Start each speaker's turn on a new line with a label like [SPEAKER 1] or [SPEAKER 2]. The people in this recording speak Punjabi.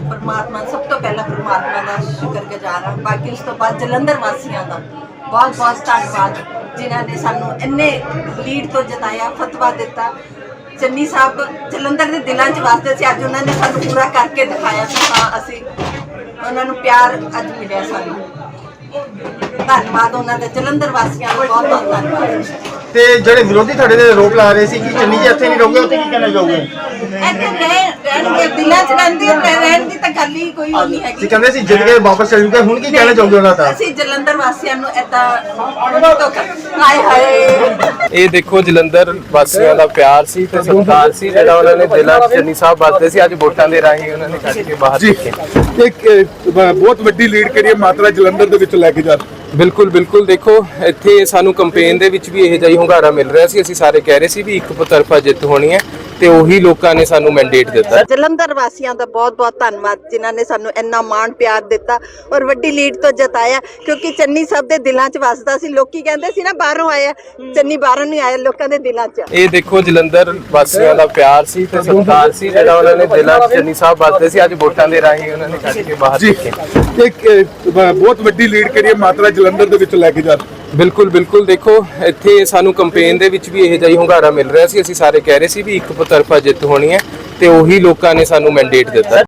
[SPEAKER 1] परमात्मा सब तो पहला परमात्मा का शुक्रगुजार हाँ। बाकी उस तो बाद जलंधर वासियों का बहुत बहुत धन्यवाद जिन्होंने सानू इन्ने लीड तो जिताया, फतवा दिता। चन्नी साहब जलंधर के दिलों च वास्ते सी, अज उन्होंने सानू पूरा करके दिखाया कि हाँ असी उन्होंने प्यार अज मिले सानू। धन्यवाद उन्होंने जलंधर वासियों का बहुत बहुत धन्यवाद।
[SPEAKER 2] ਤੇ ਜਿਹੜੇ ਵਿਰੋਧੀ ਤੁਹਾਡੇ ਦੇ ਆਰੋਪ ਲਾ ਰਹੇ ਸੀ ਕਿ ਚੰਨੀ ਜੀ ਇੱਥੇ ਨਹੀਂ ਰਹੋਗੇ, ਉੱਥੇ ਕੀ ਕਹਿਣਾ ਚਾਹੋਗੇ?
[SPEAKER 1] ਦਿਲਾਂ ਚ ਰਹਿਣ ਦੀ ਤਾਂ ਗੱਲ ਹੀ ਕੋਈ ਨਹੀਂ ਹੈਗੀ।
[SPEAKER 2] ਤੁਸੀਂ ਕਹਿੰਦੇ ਸੀ ਜਿੱਤ ਕੇ ਵਾਪਸ ਚਲ ਜੂਗੇ, ਹੁਣ ਕੀ ਕਹਿਣਾ ਚਾਹੋਗੇ ਉਹਨਾਂ ਦਾ?
[SPEAKER 1] ਅਸੀਂ ਜਲੰਧਰ ਵਾਸੀਆਂ ਨੂੰ ਏਦਾਂ ਹਾਏ ਹਾਏ।
[SPEAKER 3] ਇਹ ਦੇਖੋ ਜਲੰਧਰ ਵਾਸੀਆਂ ਦਾ ਪਿਆਰ ਸੀ ਤੇ ਸਤਿਕਾਰ ਸੀ ਜਿਹੜਾ ਉਹਨਾਂ ਨੇ ਦਿਲਾਂ 'ਚ ਚੰਨੀ ਸਾਹਿਬ ਵਰਤੇ ਸੀ, ਅੱਜ ਵੋਟਾਂ ਦੇ ਰਾਹੀਂ ਉਹਨਾਂ ਨੇ ਕੱਢ ਕੇ ਬਾਹਰ ਰੱਖੇ।
[SPEAKER 4] ਇੱਕ ਬਹੁਤ ਵੱਡੀ ਲੀਡ ਕਰੀਏ ਮਾਤਰਾ ਜਲੰਧਰ ਦੇ ਵਿੱਚ ਲੈ ਕੇ ਜਾ।
[SPEAKER 3] ਬਿਲਕੁਲ ਬਿਲਕੁਲ, ਦੇਖੋ ਇੱਥੇ ਸਾਨੂੰ ਕੰਪੇਨ ਦੇ ਵਿੱਚ ਵੀ ਇਹ ਜਿਹਾ ਹੀ ਹੁੰਗਾਰਾ ਮਿਲ ਰਿਹਾ ਸੀ। ਅਸੀਂ ਸਾਰੇ ਕਹਿ ਰਹੇ ਸੀ ਵੀ ਇੱਕ ਤਰਫਾ ਜਿੱਤ ਹੋਣੀ ਹੈ ਤੇ ਉਹੀ ਲੋਕਾਂ ਨੇ ਸਾਨੂੰ ਮੈਂਡੇਟ ਦਿੱਤਾ।
[SPEAKER 1] ਜਲੰਧਰ ਵਾਸੀਆਂ ਦਾ ਬਹੁਤ ਬਹੁਤ ਧੰਨਵਾਦ ਜਿਨ੍ਹਾਂ ਨੇ ਸਾਨੂੰ ਇੰਨਾ ਮਾਣ ਪਿਆਰ ਦਿੱਤਾ ਔਰ ਵੱਡੀ ਲੀਡ ਤੋਂ ਜਿਤਾਇਆ, ਕਿਉਂਕਿ ਚੰਨੀ ਸਾਹਿਬ ਦੇ ਦਿਲਾਂ 'ਚ ਵਸਦਾ ਸੀ। ਲੋਕੀ ਕਹਿੰਦੇ ਸੀ ਨਾ ਬਾਹਰੋਂ ਆਇਆ, ਚੰਨੀ ਬਾਹਰੋਂ ਨਹੀਂ ਆਇਆ, ਲੋਕਾਂ ਦੇ ਦਿਲਾਂ 'ਚ।
[SPEAKER 3] ਇਹ ਦੇਖੋ ਜਲੰਧਰ ਵਾਸੀਆਂ ਦਾ ਪਿਆਰ ਸੀ ਤੇ ਸਤਿਕਾਰ ਸੀ ਜਿਹੜਾ ਉਹਨਾਂ ਨੇ ਦਿਲਾਂ 'ਚ ਚੰਨੀ ਸਾਹਿਬ ਵਰਤੇ ਸੀ, ਅੱਜ ਵੋਟਾਂ ਦੇ ਰਾਹੀਂ ਉਹਨਾਂ ਨੇ ਕੱਢ ਕੇ ਬਾਹਰ ਰੱਖੇ।
[SPEAKER 4] ਇੱਕ ਬਹੁਤ ਵੱਡੀ ਲੀਡ ਕਰੀਏ ਮਾਤਰਾ ਜਲੰਧਰ ਦੇ ਵਿੱਚ ਲੈ ਕੇ ਜਾ।
[SPEAKER 3] ਬਿਲਕੁਲ ਬਿਲਕੁਲ, ਦੇਖੋ ਇੱਥੇ ਸਾਨੂੰ ਕੰਪੇਨ ਦੇ ਵਿੱਚ ਵੀ ਇਹ ਜਿਹਾ ਹੀ ਹੁੰਗਾਰਾ ਮਿਲ ਰਿਹਾ ਸੀ। ਅਸੀਂ ਸਾਰੇ ਕਹਿ ਰਹੇ ਸੀ ਵੀ ਇੱਕ ਤਰਫਾ ਜਿੱਤ ਹੋਣੀ ਹੈ ਤੇ ਉਹੀ ਲੋਕਾਂ ਨੇ ਸਾਨੂੰ ਮੈਂਡੇਟ ਦਿੱਤਾ।